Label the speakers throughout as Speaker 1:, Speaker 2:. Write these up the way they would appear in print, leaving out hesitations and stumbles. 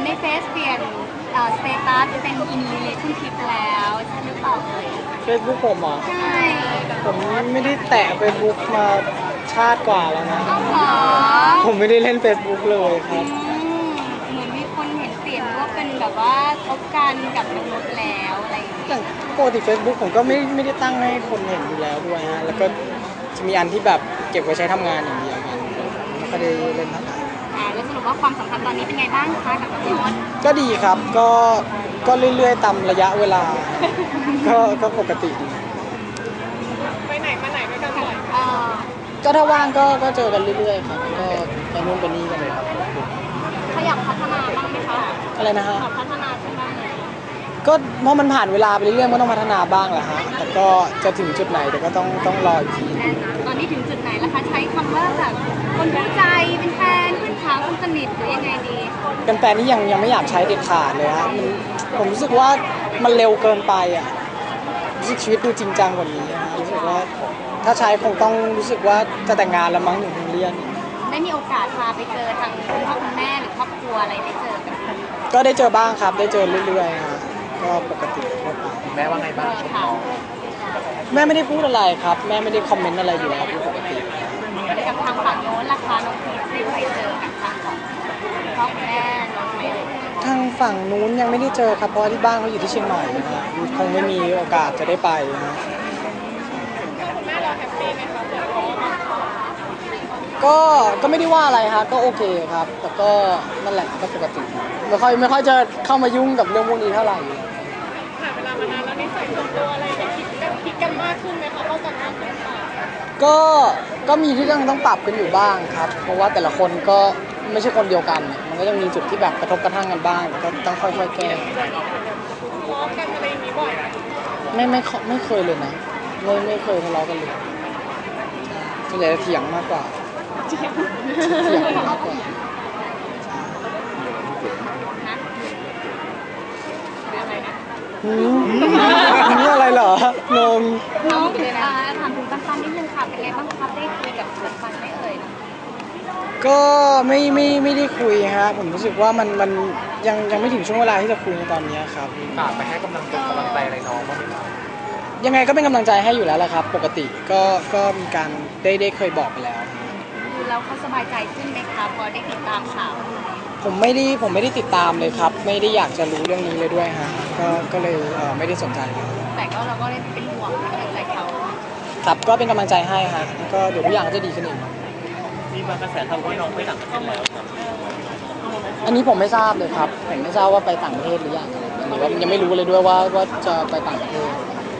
Speaker 1: ในเฟซเปลี่ยนสเตตัสเป็นอินรีเลชั่นชิพแล้วใช่หรือเปล่าเอ่ย
Speaker 2: Facebook ผมเหรอ
Speaker 1: ใช่
Speaker 2: ผมไม่ได้แตะ Facebook มาชาติกว่าแล้วนะ
Speaker 1: เอาเหรอ
Speaker 2: ผมไม่ได้เล่น Facebook เลยครับ
Speaker 1: เหมือนมีคนเห็นเปลี่ยนว่าเป็นแบบว่าคบกันกับมนุษย์แล้วอะไรอย่างเงี้ย
Speaker 2: อย่างปกติ Facebook ผมก็ไม่ได้ตั้งให้คนเห็นอยู่แล้วด้วยฮะแล้วก็จะมีอันที่แบบเก็บไว้ใช้ทำงานอย่างเดียวกันไม่ค่อยได้เล่นเท่าไหร่
Speaker 1: แล้วสรุปว่าความสัมพันธ์ตอนนี้เป็นไงบ้างคะกับน้องมด
Speaker 2: ก็ดีครับก็เรื่อยๆตามระยะเวลา ก็ปกติดี
Speaker 3: ไปไหนมาไหนด้วยกันบ่อย
Speaker 2: ก็ถ้าว่างก็เจอกันเรื่อยๆครับก็ไปนู่นไปนี่กันเลยครับ
Speaker 1: เขาอยากพัฒนาบ้างไหมคะ
Speaker 2: อะไรนะฮะ
Speaker 1: อยากพัฒนาใช่ไหม
Speaker 2: ก็เพราะมันผ่านเวลาไปเรื่อยๆก็ต้องพัฒนาบ้างแหละฮะแต่ก็จะถึงจุดไหนแต่ก็ต้องรออีกที
Speaker 1: ตอนนี้ถึงจุดไหนแล้วคะใช้คำว่าแบบคนรู้ใจเป็นแฟนเพื่อนสาวคนสนิทหรือยังไงดี
Speaker 2: เป็นแฟนนี่ยังไม่อยากใช้เด็ดขาดเลยฮะผมรู้สึกว่ามันเร็วเกินไปอ่ะรู้สึกชีวิตดูจริงจังกว่านี้ฮะรู้สึกว่าถ้าใช้คงต้องรู้สึกว่าจะแต่งงานแล้วมั้งถึงคงเรียน
Speaker 1: ได้มีโอกาสพาไปเจอทางคุณพ่อคุณแม่หรือครอบครัวอะไรได้เจอกันไหม
Speaker 2: ก็ได้เจอบ้างครับได้เจอเรื่อยๆฮะก็ปกติทั่วไป
Speaker 4: แม่ว่าไงบ้าง
Speaker 1: ค่ะ
Speaker 2: แม่ไม่ได้พูดอะไรครับแม่ไม่ได้คอมเมนต์อะไรอยู่แล้วปกติ
Speaker 1: กับทางฝั่งโน้นราคาน้องพีชได้ไปเจอกับทางของคุณพ่อคุณแม่น้องไหมเอ่ย
Speaker 2: ทางฝั่งนู้นยังไม่ได้เจอครับเพราะว่าที่บ้านเขาอยู่ที่เชียงใหม่นะฮะคงไม่มีโอกาสจะได้ไปนะฮะ
Speaker 3: คุณแม่เราแฮปปี้ไหมคะเพื่อนเขา
Speaker 2: ก็ไม่ได้ว่าอะไรฮะก็โอเคครับ แต่ก็นั่นแหละก็ปกติไม่ค่อยจะเข้ามายุ่งกับเรื่องพวกนี้เท่าไหร่
Speaker 3: ผ่านเวลามานานแล้วนิสัยส่วนตัวอะไรเนี่ยคิดกันมากขึ้นไหมคะเข้ากันมากขึ้นเปล่า
Speaker 2: ก็มีที่ต้องปรับกันอยู่บ้างครับ เพราะว่าแต่ละคนก็ไม่ใช่คนเดียวกันเนี่ยมันก็ยังมีจุดที่แบบกระทบกระทั่งกันบ้างก็ต้องค่อยๆแก้
Speaker 3: ทะเลาะกันอะไรอย่างนี้บ่อยไหม
Speaker 2: ไม่เคยเลยนะไม่เคยทะเลาะกันเลยส่วนใหญ่จะเถียงมากกว่าเถียงมากกว่า
Speaker 1: นะอะไรนะ
Speaker 2: นี่อะไรเหรอ งง
Speaker 1: น้องถามถึงปันนิดนึงค่ะเป็นไงบ้างครับได้คุยกับปันไหมเอ่ย
Speaker 2: ก็ไม่ได้คุยฮะผมรู้สึกว่ามันยังไม่ถึงช่วงเวลาที่จะคุยในตอนนี้ครับ
Speaker 4: ฝากไปให้กำลังใจอะไรน้องบ้างไหมครับ
Speaker 2: ยังไงก็เป็นกำลังใจให้อยู่แล้วแหละครับ ปกติก็มีการได้เคยบอกไปแล้ว
Speaker 1: ดูแล้วเขาสบายใจขึ้นไหมคะพอได้ติดตามข่าว
Speaker 2: ผมไม่ได้ติดตามเลยครับ ไม่ได้อยากจะรู้เรื่องนี้เลยด้วยฮะก็เลยไม่ได้สนใจเลย
Speaker 1: แต่ก็เราก็ได้เป็นห่วงเป็นกำลังใจเขา
Speaker 2: ครับก็เป็นกำลังใจให้ฮะก็เดี๋ยวทุกอย่างก็จะดีขึ้นเอง
Speaker 4: มีบางกระแสข่าวว่าน้องไปต่างประเทศแล้วครับ
Speaker 2: อันนี้ผมไม่ทราบเลยครับผมไม่ทราบว่าไปต่างประเทศหรือยังหรือว่ายังไม่รู้เลยด้วยว่าจะไปต่างประเทศ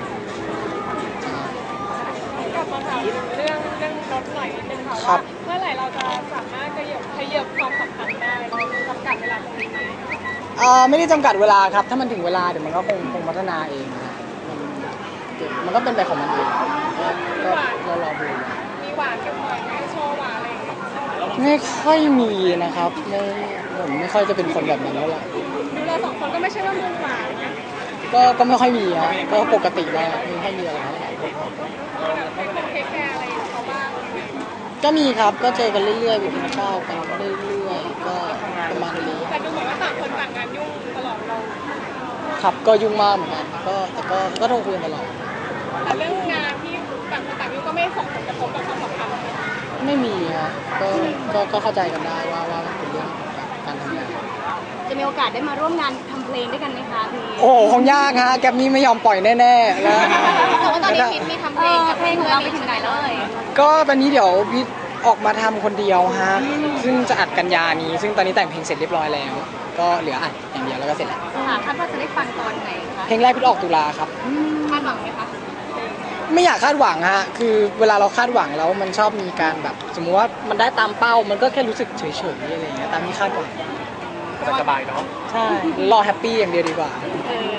Speaker 3: กลับมาถามเรื่องรถหน่อยนิดนึงค่ะ
Speaker 2: ครั
Speaker 3: ว่า
Speaker 2: บ
Speaker 3: เมื่อไหร่เราจะสามารถขยับความสัมพันธ์ได้จำกัดเวลาตรงนี้ไหม
Speaker 2: ไม่ได้จำกัดเวลาครับถ้ามันถึงเวลาเดี๋ยวมันก็คงพัฒนาเองนะมันก็เป็นไปของมันเองก็รอดู
Speaker 3: มีหวานกันบ่อยไหมโชว์หวานอะไรอย่างเงี้ย
Speaker 2: ไม่ค่อยมีนะครับผมไม่ค่อยจะเป็นคนแบบนั้นแล้วล่ะ
Speaker 3: ดูเราสองคนก็ไม่ใช่ว่ามือหวานนะ
Speaker 2: ก็ไม่ค่อยมีครับก็ปกติแล้วไม่ค่อยมีอะไรเท่าไหร่
Speaker 3: เป็นคนเทคแคร์อะไรเขาบ้าง
Speaker 2: ก็มีครับก็เจอกันเรื่อยๆไปกินข้าวกันเรื่อยๆก็ประมาณนี้
Speaker 3: แต่ดูเหมือนว่าต่างคนต่างงานยุ่งตลอดเรา
Speaker 2: ครับก็ยุ่งมากเหมือนกันแต่ก็โทรคุยกันตลอด
Speaker 3: แต่เรื่องงานที่ต่างคนต่างยุ่งก็ไม่ส่งผลกระทบกับความสัมพันธ์
Speaker 2: ไม่มีครับก็เข้าใจกันได้ว่ามันเป็นเรื่องการทำงาน
Speaker 1: จะมีโอกาสได้มาร่วมงานทำเพลงด้วยกันไหมคะพี่
Speaker 2: โอ้คงยากฮะแกมมี่ไม่ยอมปล่อยแน่ๆแล้ว
Speaker 1: แต่ว่าตอนนี้พีทมีทำเพลงกับเพลงของเราไปถึงไหนแล้วเอ่ย
Speaker 2: ก็ตอนนี้เดี๋ยวพี่ออกมาทำคนเดียวฮะซึ่งจะอัดกันยานี้ ซึ่งตอนนี้แต่งเพลงเสร็จเรียบร้อยแล้ว ก็เหลืออัดอย่างเดียวแล้วก็เสร็จแล้ว
Speaker 1: ค่ะคาดว่าจะได้ฟังตอนไหนคะ
Speaker 2: เพลงแรกพี่ออกตุลาครับ
Speaker 1: คาดหวังไหมคะ
Speaker 2: ไม่อยากคาดหวังฮะคือเวลาเราคาดหวังแล้วมันชอบมีการแบบ สมมุติว่ามันได้ตามเป้ามันก็แค่รู้สึกเฉยๆอะไรอย่างเงี้ยตามที่คาดหวัง
Speaker 4: สบายเนาะ
Speaker 2: ใช่รอแฮปปี้อย่างเดียวดีกว่า
Speaker 1: เออ